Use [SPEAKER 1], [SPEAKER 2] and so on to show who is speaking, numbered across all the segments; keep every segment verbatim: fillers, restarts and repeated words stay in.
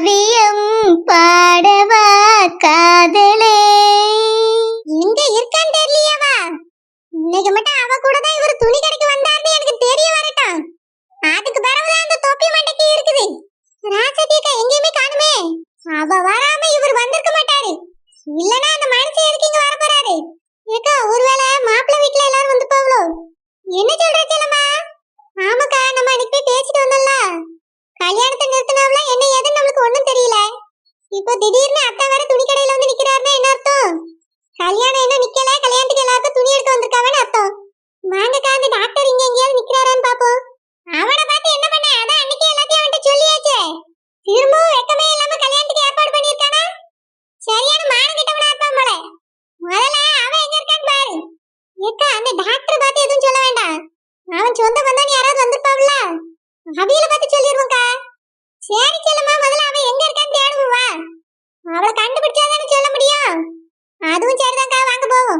[SPEAKER 1] காவியம் பாடவா காதலே. எங்க இருக்கான்னு தெரியலையாவா? இன்னைக்கு மட்டும் அவ கூட தான் இவர் துணி கடைக்கு வந்தாருன்னு எனக்கு தெரிய வரட்டும். அதுக்கு பிறகுதான் அந்த தொப்பி மண்டைக்கு இருக்குது. ராசதியக்கா எங்கேயுமே காணுமே. அவ வராம இவர் வந்திருக்க மாட்டாரு. இல்லனா அந்த மனுஷன் எதுக்கு இங்க வர போறாரு? ஏக்கா ஒருவேளை மாப்பிள்ளை வீட்ல எல்லாரும் வந்து போவளோ? என்ன சொல்ற செல்லம்மா? ஆமாக்கா, நம்ம அன்னைக்கு போய் பேசிட்டு வந்தோம்ல, கல்யாணத்தை நிறுத்தினவள என்ன ஏதுன்னு நம்மளுக்கு ஒண்ணும் தெரியல. இப்போ திடீர்னு அத்தை வேற துணி கடையில வந்து நிக்கிறாருன்னா என்ன அர்த்தம்? கல்யாணம் என்ன நிக்கல, கல்யாணத்துக்கு எல்லாருக்கும் துணி எடுக்க வந்திருக்காவன்னு அர்த்தம். வாங்கக்கா, அந்த டாக்டர் இங்க எங்கேயாவது நிக்கிறாரான்னு பாப்போம். அவனை பார்த்து என்ன பண்ண? அதான் அன்னைக்கே எல்லாத்தையும் அவன்கிட்ட சொல்லியாச்சே. திரும்பவும் வெக்கமே இல்லாம கல்யாணத்துக்கு ஏற்பாடு பண்ணிருக்கானா? சரியான மானம் கிட்டவனா இருப்பான் போல. முதல்ல அவன் எங்க இருக்கான்னு பாரு. ஏக்கா, அந்த டாக்டர் பார்த்து எதுவும் சொல்ல வேண்டாம். அவன் சொந்த பந்தம் யாராவது வந்திருப்பாவில்ல, அவியில பார்த்து சொல்லிடுவோம்க்கா. சரி செல்லம்மா, முதல்ல அவன் எங்க இருக்கான்னு தேடுவோம் வா. அவளை கண்டுபிடிச்சாதானே சொல்ல முடியும். அதுவும் சரிதான்க்கா, வாங்க போவோம்.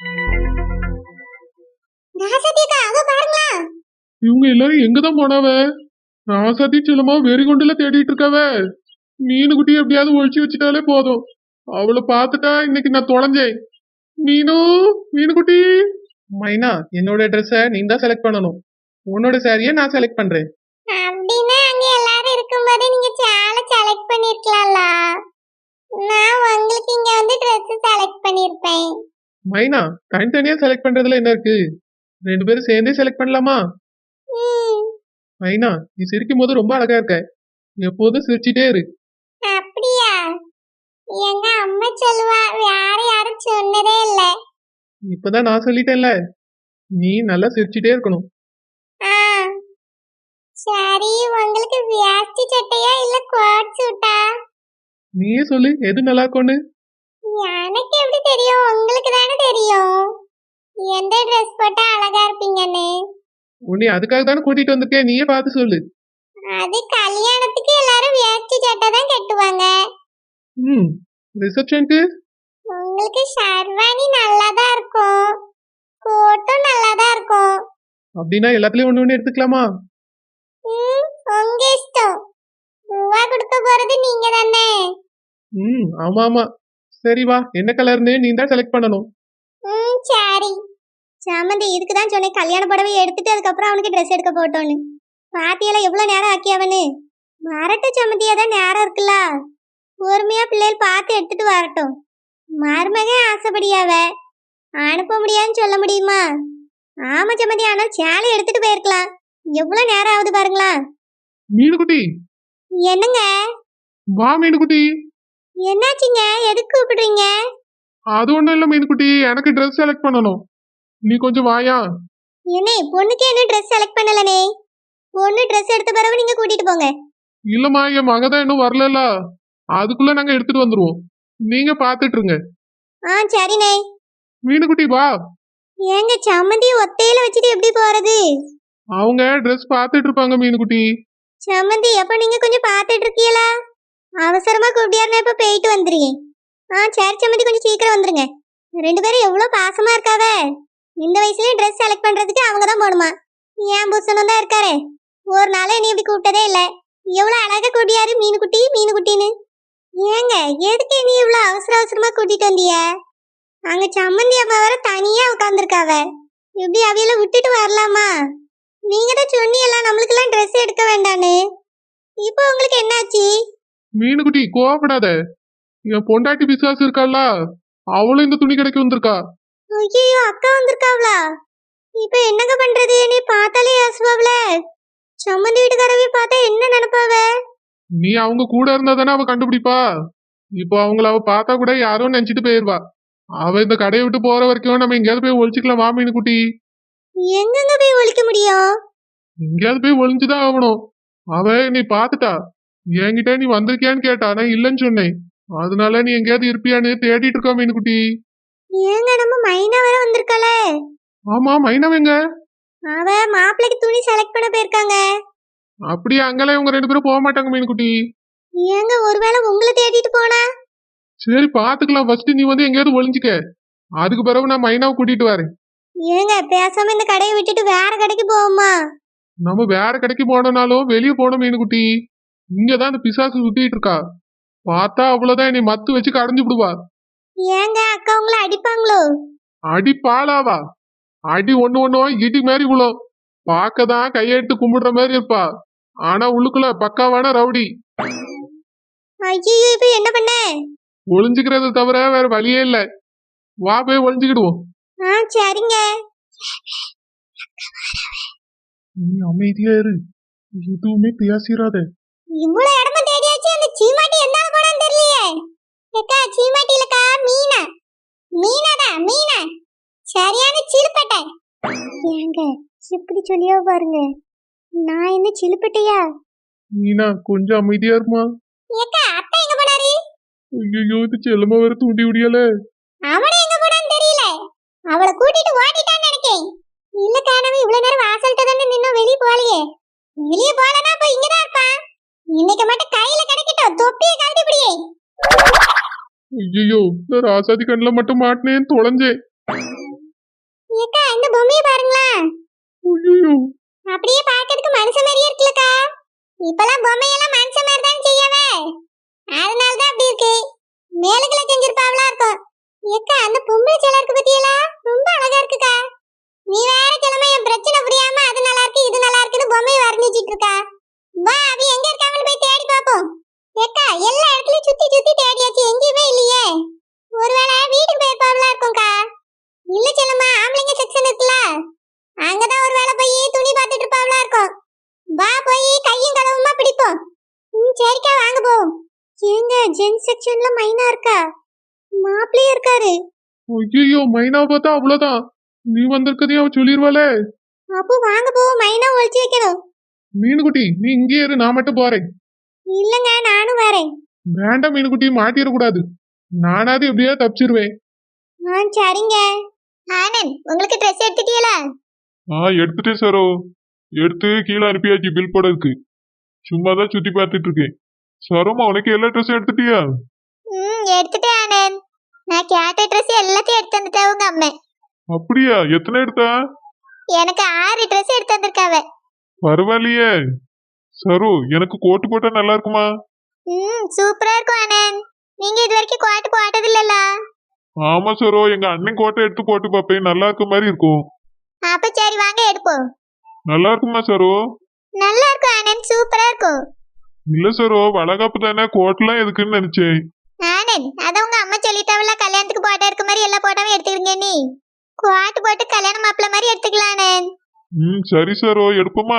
[SPEAKER 1] ராசதியக்கா, அதோ பாருங்களா.
[SPEAKER 2] இவங்க எல்லாரும் எங்கதான் போனாவ? ராசாத்தி செல்லமா வெறி கொண்டுல தேடிட்டு இருக்காவ. மீனு குட்டி எப்படியாவது ஒழிச்சு வச்சுட்டாலே போதும். அவளை பார்த்துட்டா இன்னைக்கு நான் தொலைஞ்சேன். மீனு, மீனு குட்டி. மைனா, என்னோட ட்ரெஸ்ஸை நீ தான் செலக்ட் பண்ணணும். உன்னோட சாரியை நான் செலக்ட் பண்றேன்.
[SPEAKER 1] அப்படின்னா அங்க எல்லாரும் இருக்கும்போது நீங்க சேலை செலக்ட் பண்ணிருக்கலாம்ல. நான் உங்களுக்கு இங்க வந்து ட்ரெஸ் செலக்ட் பண்ணிருப்பேன்.
[SPEAKER 2] மைனா, தனித்தனியா செலக்ட் பண்றதுல என்ன இருக்கு? ரெண்டு பேரும் சேர்ந்தே செலக்ட் பண்ணலாமா? மைனா, நீ சிரிக்கும் போது ரொம்ப அழகா இருக்க. எப்போதும் சிரிச்சிட்டே இரு.
[SPEAKER 1] அப்படியா? எங்க அம்மா சொல்லுவா, வேற யாரும் சொன்னதே இல்ல.
[SPEAKER 2] இப்பதான் நான் சொல்லிட்டேன்ல, நீ நல்லா சிரிச்சிட்டே இருக்கணும்.
[SPEAKER 1] சரி, உங்களுக்கு வேஷ்டி சட்டையா இல்ல கோட் சூட்டா?
[SPEAKER 2] நீயே சொல்லு, எது நல்லா இருக்கும்னு.
[SPEAKER 1] எனக்கு எப்படி தெரியும்? உங்களுக்கு தானே தெரியும் எந்த ட்ரெஸ் போட்டா அழகா இருப்பீங்கன்னு.
[SPEAKER 2] உன்னை அதுக்காக தானே கூட்டிட்டு வந்திருக்கேன், நீயே பார்த்து சொல்லு.
[SPEAKER 1] அது கல்யாணத்துக்கு எல்லாரும் வேஷ்டி சட்டை தான் கட்டுவாங்க.
[SPEAKER 2] ம், ரிசப்ஷனுக்கு
[SPEAKER 1] உங்களுக்கு ஷர்வானி நல்லாதான் இருக்கும், கோட்டும் நல்லாதான் இருக்கும்.
[SPEAKER 2] அப்படின்னா எல்லாத்துலயும் ஒண்ணு ஒண்ணு எடுத்துக்கலாமா?
[SPEAKER 1] ம், உங்க இஷ்டம். ரூபா கொடுக்க போறது நீங்க தானே.
[SPEAKER 2] ம், ஆமா ஆமா. சரி வா, என்ன கலர்னு நீ தான் செலக்ட் பண்ணணும்.
[SPEAKER 1] ம், சரி. சாமந்தி, இதுக்கு தான் சொன்னேன் கல்யாண புடவை எடுத்துட்டு அதுக்கப்புறம் அவனுக்கு ட்ரெஸ் எடுக்க போட்டோன்னு. பாத்தியெல்லாம் எவ்வளவு நேரம் ஆக்கியவனு. வரட்டும் சாமந்தியா, தான் நேரம் இருக்குல்ல. பொறுமையா பிள்ளைகள் பார்த்து எடுத்துட்டு வரட்டும். மருமகன் ஆசைப்படியாவ அனுப்ப முடியாதுன்னு சொல்ல முடியுமா? ஆமா சாமந்தி, ஆனால் சேலை எடுத்துட்டு போயிருக்கலாம். எவ்வளவு நேரம் ஆகுது பாருங்களா.
[SPEAKER 2] மீனுக்குட்டி,
[SPEAKER 1] என்னங்க?
[SPEAKER 2] வா மீனுக்குட்டி.
[SPEAKER 1] என்னாச்சுங்க? எதுக்கு கூப்பிடுறீங்க?
[SPEAKER 2] அது ஒண்ணும் இல்ல மீனுக்குட்டி, எனக்கு ட்ரெஸ் செலக்ட் பண்ணணும். நீ கொஞ்சம் வாயா.
[SPEAKER 1] என்னே, பொண்ணுக்கு என்ன ட்ரெஸ் செலக்ட் பண்ணலனே? பொண்ணு ட்ரெஸ் எடுத்த பிறகு நீங்க கூட்டிட்டு போங்க.
[SPEAKER 2] இல்லம்மா, என் மகதான் இன்னும் வரல, அதுக்குள்ள நாங்க எடுத்துட்டு வந்துருவோம். நீங்க பாத்துட்டு இருங்க.
[SPEAKER 1] ஆ, சரிண்ணே.
[SPEAKER 2] மீனுக்குட்டி வா.
[SPEAKER 1] ஏங்க, சம்மந்தி ஒத்தையில வச்சுட்டு எப்படி போறது?
[SPEAKER 2] அவங்க ட்ரெஸ் பாத்துட்டு இருப்பாங்க மீனுக்குட்டி.
[SPEAKER 1] சம்மந்தி, அப்ப நீங்க கொஞ்சம் பாத்துட்டு இருக்கீங்களா? அவசரமா கூப்பிட்டியாருன்னா இப்ப போயிட்டு வந்துருக்கேன். ஆ, சரி சம்மந்தி, கொஞ்சம் சீக்கிரம் வந்துருங்க. ரெண்டு பேரும் எவ்வளவு பாசமா இருக்காவ. இந்த வயசுலயும் ட்ரெஸ் செலக்ட் பண்றதுக்கு அவங்க தான் போகணுமா? ஏன் புருஷனும் தான் இருக்காரு. ஒரு நாள் நீ இப்படி கூப்பிட்டதே இல்ல. எவ்வளவு அழகா கூட்டியாரு மீனுக்குட்டி மீனுக்குட்டின்னு. ஏங்க, எதுக்கு நீ இவ்வளவு அவசர அவசரமா கூட்டிட்டு வந்திய? அங்க சம்மந்தி அம்மா வேற தனியா உட்காந்துருக்காவ. இப்படி அவையில விட்டுட்டு வரலாமா? நீங்க தான் சொன்னீங்களா நம்மளுக்கு எல்லாம் ட்ரெஸ் எடுக்க வேண்டான்னு. இப்போ உங்களுக்கு என்னாச்சு?
[SPEAKER 2] மீனுக்குட்டி கோவப்படாத. என் பொண்டாட்டி பிசாசு இருக்கால, அவளும் இந்த துணி கடைக்கு வந்திருக்கா.
[SPEAKER 1] ஐயோ, அக்கா வந்திருக்காவளா? இப்ப என்னங்க பண்றது? நீ பார்த்தாலே யோசுவாவல. சம்மந்தி வீட்டுக்காரவே பார்த்தா என்ன நினைப்பாவ?
[SPEAKER 2] நீ அவங்க கூட இருந்தா தானே அவ கண்டுபிடிப்பா. இப்போ அவங்கள அவ பார்த்தா கூட யாரோ நினைச்சிட்டு போயிருவா. அவ இந்த கடையை விட்டு போற வரைக்கும் நம்ம எங்கேயாவது போய் ஒழிச்சுக்கலாம். வா மீனுக்குட்டி.
[SPEAKER 1] எங்கெங்க போய் ஒழிக்க முடியும்?
[SPEAKER 2] எங்கேயாவது போய் ஒளிஞ்சுதான் ஆகணும். அவ நீ பாத்துட்டா. என்கிட்ட நீ வந்திருக்கியான்னு கேட்டா, நான் இல்லைன்னு சொன்னேன். அதனால நீ எங்கேயாவது இருப்பியான்னு தேடிட்டு இருக்கா மீனுக்குட்டி.
[SPEAKER 1] ஏங்க, நம்ம மைனா வேற வந்திருக்காளே.
[SPEAKER 2] ஆமா, மைனவங்க.
[SPEAKER 1] அவ மாப்பிளைக்கு துணி செலக்ட் பண்ண போயிருக்காங்க.
[SPEAKER 2] அப்படியே அங்கெல்லாம் இவங்க ரெண்டு பேரும் போக மாட்டாங்க மீனுக்குட்டி.
[SPEAKER 1] ஏங்க, ஒருவேளை உங்களை தேடிட்டு போனா?
[SPEAKER 2] சரி பாத்துக்கலாம். ஃபர்ஸ்ட் நீ வந்து எங்கேயாவது ஒளிஞ்சுக்க, அதுக்கு பிறகு நான் மைனாவை கூட்டிட்டு வரேன்.
[SPEAKER 1] ஏங்க, பேசாம இந்த கடையை விட்டுட்டு வேற கடைக்கு போவோமா?
[SPEAKER 2] நம்ம வேற கடைக்கு போனோம்னாலும் வெளியே போனோம் மீனுக்குட்டி. இங்கதான் அந்த பிசாசு சுத்திட்டு இருக்கா. பார்த்தா அவ்வளவுதான், நீ மத்து வச்சு கடைஞ்சு விடுவா.
[SPEAKER 1] ஏங்க அக்கா உங்களை அடிப்பாங்களோ?
[SPEAKER 2] அடி பாலாவா? அடி ஒண்ணு ஒண்ணும் இடி மாதிரி விழும். பார்க்கதான் கையெடுத்து கும்பிடுற மாதிரி இருப்பா, ஆனா உள்ளுக்குள்ள பக்காவான ரவுடி.
[SPEAKER 1] ஐயோ இப்ப என்ன பண்ண?
[SPEAKER 2] ஒளிஞ்சுக்கிறத தவிர வேற வழியே இல்ல. வா போய் ஒளிஞ்சுக்கிடுவோம்.
[SPEAKER 1] ஆ சரிங்க.
[SPEAKER 2] நீ அமைதியா இரு, எதுவுமே பேசிடாத.
[SPEAKER 1] இவ்வளவு இடமா தேடியாச்சு, அந்த சீமாட்டி என்னால போனான்னு தெரியலையே. ஏக்கா சீமாட்டி இல்லக்கா, மீனா. மீனாடா மீனா, சரியான சிலுப்பட்டை. ஏங்க இப்படி சொல்லியோ பாருங்க, நான் என்ன சிலுப்பட்டையா?
[SPEAKER 2] மீனா கொஞ்சம் அமைதியா இருமா.
[SPEAKER 1] ஏக்கா அத்தை எங்க போனாரு?
[SPEAKER 2] ஐயோ இது செல்லமா வேற தூண்டி விடியல.
[SPEAKER 1] அவனை எங்க போனான்னு தெரியல, அவளை கூட்டிட்டு ஓடிட்டான்னு நினைக்கேன். இல்ல காணவே, இவ்வளவு நேரம் வாசல்கிட்ட தானே நின்னோம், வெளியே போகலையே. வெளியே போலனா அப்ப இங்கதான் இருப்பான். இன்னைக்கு மட்டும் கையில கிடைக்கட்டும், தொப்பியை கழட்டி பிடியே.
[SPEAKER 2] ஐயோ நான் ராசாதி கண்ணுல மட்டும் மாட்டினேன், தொலைஞ்சேன்.
[SPEAKER 1] ஏக்கா இந்த பொம்மையை பாருங்களா,
[SPEAKER 2] ஐயோ
[SPEAKER 1] அப்படியே பார்க்கிறதுக்கு மனுஷன் மாதிரியே இருக்குல்லக்கா. இப்பெல்லாம் பொம்மையெல்லாம் மனுஷன் மாதிரி தான் செய்யவே, அதனாலதான் அப்படி இருக்கு. மேலுக்குள்ள செஞ்சிருப்பாவளா இருக்கும். ஏக்கா அந்த பொம்பளை சிலை இருக்கு பத்தியலா, ரொம்ப அழகா இருக்குக்கா. நீ வேற கிழமை என் பிரச்சனை புரியாம அது நல்லா இருக்கு இது நல்லா இருக்குன்னு பொம்மையை வர்ணிச்சிட்டு இருக்கா. வா அவ எங்க இருக்காங்கன்னு போய் தேடி பாப்போம். ஏக்கா எல்லா இடத்துலயும் சுத்தி சுத்தி தேடியாச்சு, எங்கேயுமே இல்லையே. ஒருவேளை வீட்டுக்கு போயிருப்பாவளா இருக்கும்க்கா. இல்ல செல்லம்மா, ஆம்பளைங்க செக்ஷன் இருக்குல்ல, அங்கதான் ஒரு வேளை போய் துணி பார்த்துட்டு இருப்பாவளா இருக்கும். வா போய் கையும் களவுமா பிடிப்போம். ம் சரிக்கா வாங்க போவோம். ஏங்க ஜென் செக்ஷன்ல மைனா இருக்கா, மாப்பிள்ளையே இருக்காரு.
[SPEAKER 2] ஐயோ மைனா பார்த்தா அவ்வளவுதான், நீ வந்திருக்கதையும் அவ சொல்லிருவாளே.
[SPEAKER 1] அப்போ வாங்க போவோம், மைனா ஒழிச்சு வைக்கணும்.
[SPEAKER 2] மீனுக்குட்டி நீ இங்கே இரு, நான் மட்டும் போறேன்.
[SPEAKER 1] இல்லங்க நானும் வரேன்.
[SPEAKER 2] வேண்டாம் மீனுக்குட்டி, மாட்டிடக்கூடாது. நானாவது எப்படியா தப்பிச்சிருவேன்.
[SPEAKER 1] ஆ சரிங்க. ஆனந்த் உங்களுக்கு ட்ரெஸ் எடுத்துட்டீங்களா?
[SPEAKER 2] ஆ எடுத்துட்டேன் சரோ, எடுத்து கீழே அனுப்பியாச்சு பில் போடறதுக்கு. சும்மா தான் சுத்தி பார்த்துட்டு இருக்கேன். சரோமா உனக்கு எல்லா ட்ரெஸ்ஸும் எடுத்துட்டியா?
[SPEAKER 1] ம் எடுத்துட்டேன் ஆனந்த். நான் கேட்ட ட்ரெஸ் எல்லாத்தையும் எடுத்து வந்துட்டேன் உங்க அம்மா.
[SPEAKER 2] அப்படியா, எத்தனை எடுத்தா?
[SPEAKER 1] எனக்கு ஆறு ட்ரெஸ் எடுத்து வந்திருக்காவ.
[SPEAKER 2] பரவாயில்லையே. சரோ எனக்கு கோட்டு போட்டா நல்லா இருக்குமா?
[SPEAKER 1] ம் சூப்பரா இருக்கும் ஆனந்த். நீங்க இது வரைக்கும் கோட்டு போட்டது இல்லல?
[SPEAKER 2] ஆமா சரோ, எங்க அண்ணன் கோட்டை எடுத்து போட்டு பார்ப்பேன், நல்லா இருக்க மாதிரி இருக்கும்.
[SPEAKER 1] அப்ப சரி வாங்க எடுப்போம்.
[SPEAKER 2] நல்லா இருக்குமா சரோ?
[SPEAKER 1] நல்லா இருக்கும் ஆனந்த், சூப்பரா இருக்கும்.
[SPEAKER 2] இல்ல சரோ, வளகாப்பு தானே, கோட்டெல்லாம் எதுக்குன்னு நினைச்சேன்.
[SPEAKER 1] ஆனந்த் அத உங்க அம்மா சொல்லிட்டாவல, கல்யாணத்துக்கு போட்டா இருக்க மாதிரி எல்லா போட்டாவும் எடுத்துக்கிங்க. நீ கோட்டு போட்டு கல்யாண மாப்பிள்ள மாதிரி எடுத்துக்கலாம் ஆனந்த்.
[SPEAKER 2] ம் சரி சரோ, எடுப்போமா?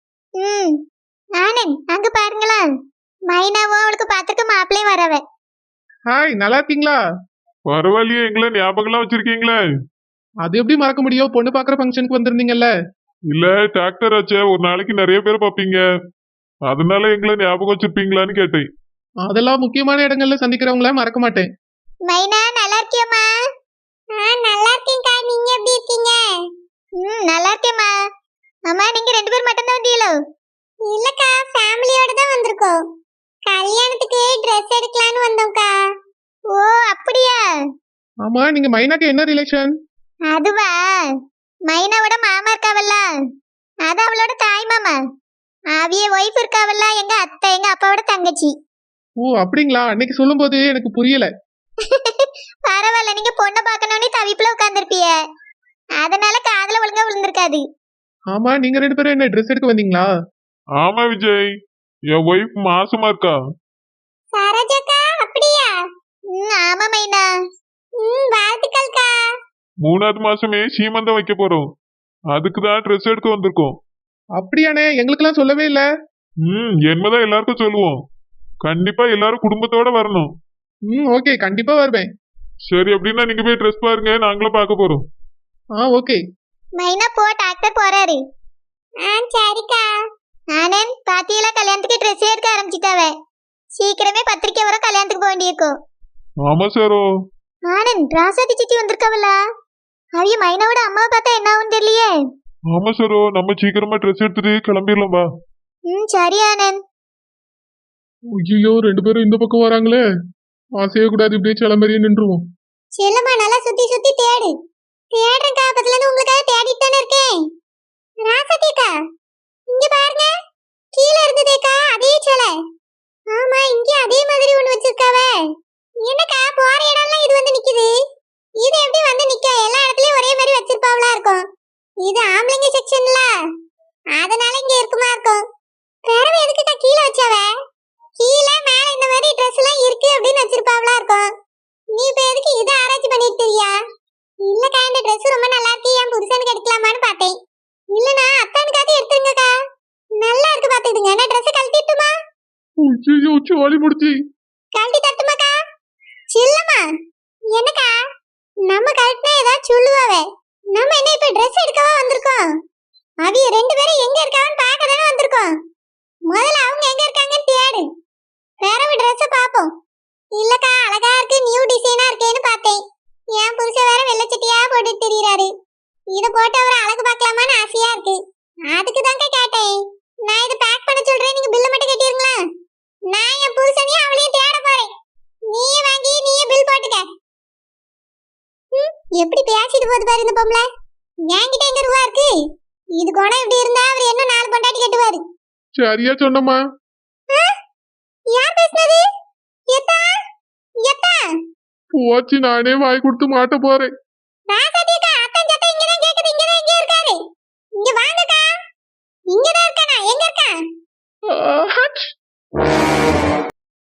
[SPEAKER 1] ம் ஆனந்த் அங்க பாருங்களா, மைனாவும் அவளுக்கு பாத்துக்க மாப்பிள்ளையும் வரவ.
[SPEAKER 2] ஹாய், நல்லா இருக்கீங்களா? பரவாயில்லையே, எங்களை ஞாபகம்லாம் வச்சிருக்கீங்களே. அது எப்படி மறக்க முடியும், பொண்ணு பாக்குற ஃபங்க்ஷனுக்கு வந்திருந்தீங்கல்ல. இல்ல டாக்டர் ஆச்சே, ஒரு நாளைக்கு நிறைய பேர் பாப்பீங்க, அதனால எங்களை ஞாபகம் வச்சிருப்பீங்களான்னு கேட்டேன். அதெல்லாம் முக்கியமான இடங்கள்ல சந்திக்கிறவங்கள மறக்க மாட்டேன்.
[SPEAKER 1] மைனா நல்லா இருக்கியம்மா? ஆ நல்லா இருக்கேன்க்கா, நீங்க எப்படி இருக்கீங்க? ம் நல்லா இருக்கேம்மா. அம்மா நீங்க ரெண்டு பேர் மட்டும் தான் வந்தீங்களோ? இல்லக்கா ஃபேமிலியோட தான் வந்திருக்கோம். கல்யாணத்துக்கு Dress எடுக்கலாம்னு வந்தோம்க்கா. ஓ அப்படியா?
[SPEAKER 2] ஆமா, நீங்க மைனாக்கு என்ன ரிலேஷன்?
[SPEAKER 1] அதுவா, மைனாவோட மாமா இருக்காவல்ல, அது அவளோட தாய் மாமா. அவிய ஒய்ஃப் இருக்காவல்ல, எங்க அத்தை எங்க அப்பாவோட தங்கச்சி.
[SPEAKER 2] ஓ அப்படிங்களா, அன்னைக்கு சொல்லும் போது எனக்கு புரியல.
[SPEAKER 1] பரவாயில்ல, நீங்க பொண்ணை பார்க்கணும்னு தவிப்புல உட்கார்ந்துருப்பிய, அதனால காதுல ஒழுங்கா விழுந்திருக்காது.
[SPEAKER 2] ஆமா, நீங்க ரெண்டு பேரும் என்ன ட்ரெஸ் எடுக்க வந்தீங்களா? ஆமா விஜய், என் ஒய்ஃப் மாசமா இருக்கா.
[SPEAKER 1] சரோஜாக்கா அப்படியா? ம் ஆமா மைனா. ம் வாழ்த்துக்கள்க்கா.
[SPEAKER 2] மூணாவது மாசமே சீமந்தம் வைக்க போறோம், அதுக்கு தான் ட்ரெஸ் எடுக்க வந்திருக்கோம். அப்படியானே, எங்களுக்கெல்லாம் சொல்லவே இல்ல. ம் என்னதான் எல்லாருக்கும் சொல்லுவோம், கண்டிப்பா எல்லாரும் குடும்பத்தோட வரணும். ம் ஓகே, கண்டிப்பா வருவேன். சரி அப்படின்னா நீங்க போய் ட்ரெஸ் பாருங்க, நாங்களும் பார்க்க போறோம். ஆ ஓகே.
[SPEAKER 1] மைனா போ, டாக்டர் போறாரு. ஆ சரிக்கா. ஆனந்த் பாத்தியெல்லாம் கல்யாணத்துக்கு ட்ரெஸ் எடுக்க ஆரம்பிச்சிட்டாவ, சீக்கிரமே பத்திரிக்கை வர கல்யாணத்துக்கு போக வேண்டியிருக்கும்.
[SPEAKER 2] ஆமா சாரோ.
[SPEAKER 1] ஆனந்த் ராசாதி சித்தி வந்திருக்காவல்ல, அவிய மைனாவோட அம்மாவை பார்த்தா என்ன ஆகும் தெரியலையே.
[SPEAKER 2] ஆமா சாரோ, நம்ம சீக்கிரமா ட்ரெஸ் எடுத்துட்டு கிளம்பிடலாம் வா.
[SPEAKER 1] ம் சரி ஆனந்த்.
[SPEAKER 2] ஐயோ ரெண்டு பேரும் இந்த பக்கம் வராங்களே, ஆசையே கூடாது, இப்படியே கிளம்பறியே நின்றுவோம்.
[SPEAKER 1] செல்லம்மா நல்லா சுத்தி சுத்தி தேடு. தேடுறேன் காப்பத்துல இருந்து உங்களுக்காக தேடிட்டு தானே இருக்கேன். ராசாத்திக்கா இங்க பாருங்க, கீழே இருந்ததேக்கா அதே போல. ஆமா, இங்க அதே மாதிரி ஒண்ணு வச்சிருக்காவ. என்னக்கா போற இடம்லாம் இது வந்து நிக்குது? இது எப்படி வந்து நிக்க? எல்லா இடத்துலயும் ஒரே மாதிரி வச்சிருப்பாவளா இருக்கும். இது ஆம்பளைங்க செக்ஷன்ல, அதனால இங்க இருக்குமா இருக்கும். பிறவு எதுக்குக்கா கீழே வச்சாவ? கீழே மேல இந்த மாதிரி ட்ரெஸ் எல்லாம் இருக்கு அப்படின்னு வச்சிருப்பாவளா இருக்கும். நீ இப்ப எதுக்கு இதை ஆராய்ச்சி பண்ணிட்டு தெரியா? இல்லக்கா, இந்த ட்ரெஸ் ரொம்ப நல்லா இருக்கு, என் புருஷனுக்கு எடுக்கலாமான்னு பார்த்தேன். இல்லனா அத்தானுக்காக எடுத்துங்கக்கா, நல்லா இருக்கு பாத்துக்கிடுங்க. நான் ட்ரெஸ் கழட்டிட்டுமா?
[SPEAKER 2] ஐயோ சோழி முடிச்சு.
[SPEAKER 1] கழட்டி தட்டுமாக்கா? சில்லம்மா, என்னக்கா நம்ம கழட்டினா ஏதாவது சொல்லுவாவே. நம்ம என்ன இப்ப ட்ரெஸ் எடுக்கவா வந்திருக்கோம்? அவிய ரெண்டு பேரும் எங்க இருக்காவன்னு பார்க்க தானே வந்திருக்கோம். முதல்ல அவங்க எங்க இருக்காங்கன்னு தேடு, பிறகு ட்ரெஸ் பாப்போம். இல்லக்கா, அழகா இருக்கு, நியூ டிசைனா இருக்கேன்னு பார்த்தேன். என் புருஷன் வேற வெள்ளச்சட்டியா போட்டுட்டு திரியறாரு. இத போட்டு அவரை அழகு பார்க்கலாமான்னு ஆசையா இருக்கு. அதுக்கு தாங்க கேட்டேன். நான் இதை பேக் பண்ண சொல்றேன், நீங்க பில்ல மட்டும் கட்டிருங்களா? நான் என் புருஷனையும் அவளையும் தேட போறேன். நீயே வாங்கி நீயே பில் போட்டுக்க. ம், எப்படி பேசிட்டு போகுது பாரு இந்த பொம்பளை. என்கிட்ட எங்க ரூபா இருக்கு? இது குணம் இப்படி இருந்தா அவர் என்ன நாலு பொண்டாட்டி கட்டுவாரு.
[SPEAKER 2] சரியா சொன்னம்மா.
[SPEAKER 1] யார் பேசுனது? எத்தா எத்தா
[SPEAKER 2] போச்சு, நானே வாய் கொடுத்து மாட்ட போறேன்.
[SPEAKER 1] ராசாதியக்கா, அத்தன் சத்தம் இங்க தான் கேக்குது. இங்க தான் இங்க இருக்காரு. இங்க வாங்கக்கா. இங்க தான் இருக்கானா? எங்க இருக்கா?
[SPEAKER 2] ஆஹா,